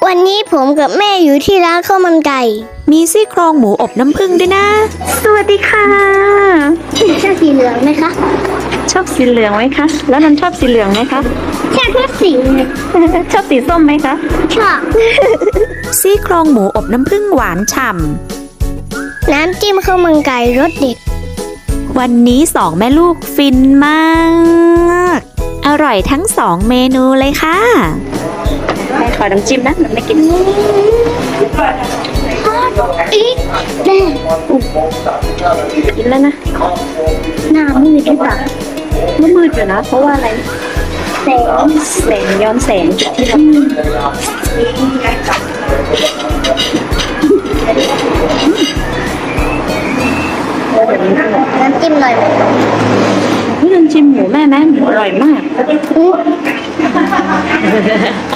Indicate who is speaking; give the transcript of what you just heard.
Speaker 1: วันนี้ผมกับแม่อยู่ที่ร้านข้าวมันไก่
Speaker 2: มีซี่โครงหมูอบน้ำผึ้งด้วยนะ สวัสดีค่ะ
Speaker 1: ชอบสีเหลืองไหมคะ
Speaker 2: ชอบสีเหลืองไหมคะ แล้วนันชอบสีเหลืองไหมคะ
Speaker 1: ชอบทุกสีเลย
Speaker 2: ชอบสีส้มไหมคะ
Speaker 1: ชอบ
Speaker 2: ซี่โครงหมูอบน้ำผึ้งหวานฉ่
Speaker 1: น้ำจิ้มข้าวมันไก่รสเด็ด
Speaker 2: ำ วันนี้สองแม่ลูกฟินมาก อร่อยทั้งสองเมนูเลยค่ะแม่ขอน้ำจิ้มนะหนูไม่กิน
Speaker 1: อีกแน่
Speaker 2: กินแล้วนะ
Speaker 1: หน้ามืดหรือเปล่า
Speaker 2: มันมืดอยู่นะ เพราะว่าอะไร
Speaker 1: แสง
Speaker 2: แสงย้อนแสงจากที่เรา
Speaker 1: น้ำจิ้มหน่อยไหม
Speaker 2: พี่นันชิมหมูแม่ไหมหมูอร่อยมาก
Speaker 1: อื้อ